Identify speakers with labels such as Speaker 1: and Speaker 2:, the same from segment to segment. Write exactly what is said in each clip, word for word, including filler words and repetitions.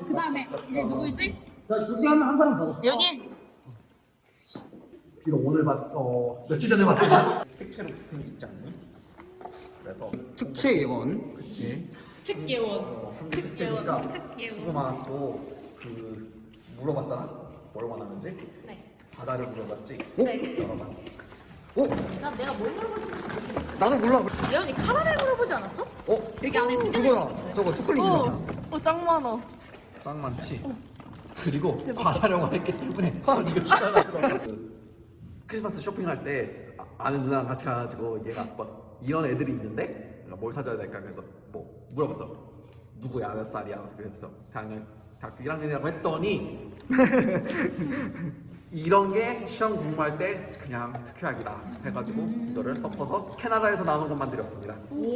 Speaker 1: 그 다음에 이제 누구이지?
Speaker 2: 자, 둘 중에 한, 한 사람 받아.
Speaker 1: 여기?
Speaker 3: 비록 오늘 봤, 어, 며칠 전에 봤지만 특채로 붙은 게 있지 않니? 그래서
Speaker 2: 특채 예원.
Speaker 3: 그치
Speaker 1: 특예원.
Speaker 3: 어, 삼 개 특채니까
Speaker 1: 특예원.
Speaker 3: 수고 많았고 그 물어봤잖아? 뭘 원하는지?
Speaker 1: 네.
Speaker 3: 과자를 물어봤지?
Speaker 2: 어?
Speaker 3: 여러 번
Speaker 2: 어?
Speaker 1: 나 내가 뭘 물어봤는지
Speaker 2: 나도 몰라.
Speaker 1: 예원이 카라멜 물어보지 않았어?
Speaker 2: 어?
Speaker 1: 여기 안에 숨겨져
Speaker 2: 그거다. 저거 초콜릿이다.
Speaker 1: 어, 짱 많아.
Speaker 3: 짱 많지? 그리고 과자령을 했기 때문에 아, 이거 시간하더라고 그 크리스마스 쇼핑할 때 아- 아는 누나랑 같이 가가지고 얘가 뭐 이런 애들이 있는데 내가 뭘 사줘야 될까 그래서 뭐 물어봤어 누구야 몇 살이야 그래서 대학년 대학교 일 학년이라고 했더니 이런 게 시험 공부할 때 그냥 특효약이다 해가지고 이거를 섞어서 캐나다에서 나오는 것만 드렸습니다.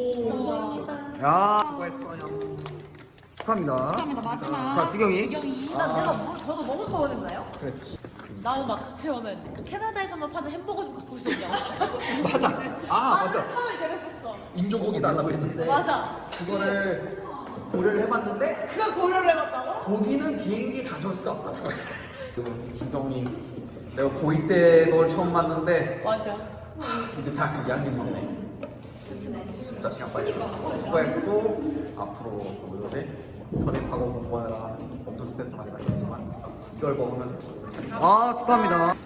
Speaker 2: 야,
Speaker 3: 수고했어요.
Speaker 2: 축하합니다.
Speaker 1: 축하합니다. 마지막.
Speaker 2: 자, 주경이.
Speaker 1: 주경이.
Speaker 4: 일단 내가 뭐, 저도 먹을 거 원했나요?
Speaker 3: 그렇지.
Speaker 4: 나는 막 회원은 그 캐나다에서만 파는 햄버거 좀 갖고 올 수 있냐고.
Speaker 3: 맞아. 아 맞아.
Speaker 4: 처음에 그랬었어.
Speaker 3: 인조고기 달라고 했는데
Speaker 4: 맞아.
Speaker 3: 그거를 고려를 해봤는데
Speaker 4: 그걸 고려를 해봤다고?
Speaker 3: 거기는 비행기 가져올 수가 없더라고. 그 주경이 내가 고이 때 널 처음 봤는데
Speaker 4: 맞아.
Speaker 3: 이제 대학교 이 학년이네. 진짜 시간 빨리 가. 수고했고 앞으로 뭐지 편입하고 공부하느라 엄청 스트레스 많이 받았지만 이걸 먹으면서
Speaker 2: 아, 축하합니다.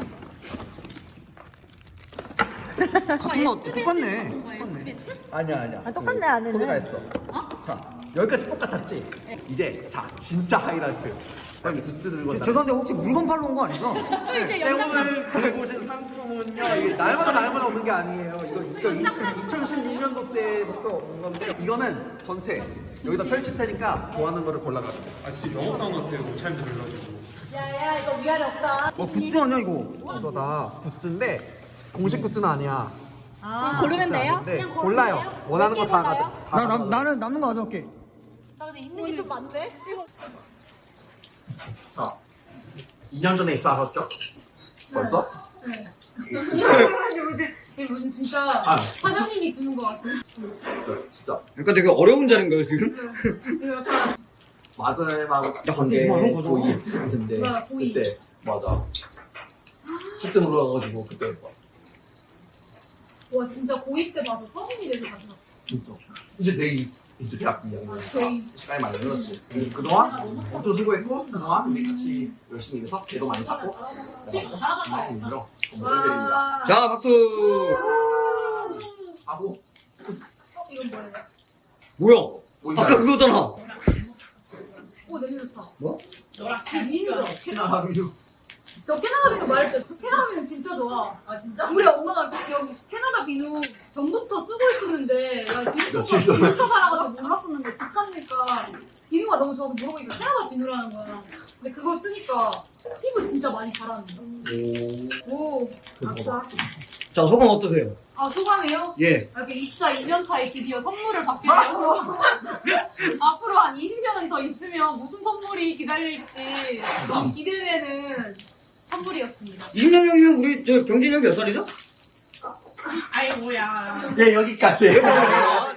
Speaker 2: 같은 거 똑같네. 똑같네.
Speaker 1: 에스비에스?
Speaker 3: 아니야 아니야.
Speaker 4: 아, 똑같네, 안에는.
Speaker 3: 거기다 했어. 자 여기까지 똑같았지. 이제 자 진짜 하이라이트. 빨리 굿즈 들고
Speaker 2: 제-
Speaker 3: 나.
Speaker 2: 죄송한데 혹시 물건 팔러 온 거 아니죠?
Speaker 1: 또 이제 연장선.
Speaker 3: 오늘 들고 오신 상품은요 이게 날마다 날마다 없는 게 아니에요. 이거 이거 이천십육 년도 때부터 온 건데 이거는 전체 여기다 펼칠 테니까 좋아하는 거를 골라가지고.
Speaker 5: 아 진짜 영업사원 같아요. 옷차림 들려가지고.
Speaker 4: 야야 이거 위아래 없다.
Speaker 2: 어, 굿즈 아니야, 이거?
Speaker 3: 이거 다 굿즈인데 공식 굿즈는 아니야.
Speaker 4: 아.
Speaker 1: 고르면 돼요?
Speaker 3: 네 골라요. 원하는 거 다 가져. 다
Speaker 2: 나, 나,
Speaker 3: 가져가요.
Speaker 2: 나는 남는 거 가져올게.
Speaker 4: 나 근데 있는 게 좀 많네.
Speaker 3: 자, 이 년 전에 입사하셨죠? 벌써?
Speaker 4: 이게 무슨 진짜
Speaker 3: 아,
Speaker 4: 사장님이 주는 거 같아.
Speaker 3: 진짜.
Speaker 2: 약간 되게 어려운 자리인가요, 지금?
Speaker 3: 마지막
Speaker 2: 야, 근데 이거 한 거죠?
Speaker 3: 고이 근데
Speaker 4: 뭐야, 고이.
Speaker 3: 그때 맞아. 그때 놀아가지고 그때
Speaker 4: 와 진짜 고이 때 봐서 서민이 돼서 가져갔어.
Speaker 3: 진짜 이제 되게 이제 대학 이 학년이니까
Speaker 4: 저희
Speaker 3: 시간이 많이 늘었지. 그동안 엄청 수고했고 그동안 우리 같이 열심히 일해서 개도 많이 탔고 많이 힘들어. 건물들입니다.
Speaker 4: 와.
Speaker 2: 자, 박수.
Speaker 3: 하고
Speaker 4: 어, 이건 뭐예요?
Speaker 2: 뭐야? 아까 그거잖아.
Speaker 4: 오 냄새 좋다.
Speaker 2: 뭐?
Speaker 4: 그 미누죠.
Speaker 3: 캐나다 비유.
Speaker 4: 저 캐나다 비누 말했죠. 저 캐나다 비누 진짜 좋아. 아 진짜? 우리 엄마가 여기 캐나다 비누 전부터 쓰고 있었는데 나
Speaker 3: 며칠
Speaker 4: 진짜
Speaker 3: 전에.
Speaker 4: 비누 사라가지고 몰랐었는데 집 가니까 비누가 너무 좋아서 물어보니까 캐나다 비누라는 거야. 근데 그거 쓰니까 피부 진짜 많이 자라는 거야. 오. 아싸.
Speaker 2: 자, 소감 어떠세요?
Speaker 4: 아 소감이요?
Speaker 2: 예.
Speaker 4: 이렇게 입사 이 년 차에 드디어 선물을 받게 되어서 앞으로 한 이십 년은 더 있으면 무슨 선물이 기다릴지 너무 기대되는 선물이었습니다.
Speaker 2: 이십 년 형이면 우리 저 병진이 형 몇 살이죠?
Speaker 4: 아이 뭐야.
Speaker 3: 예 여기까지.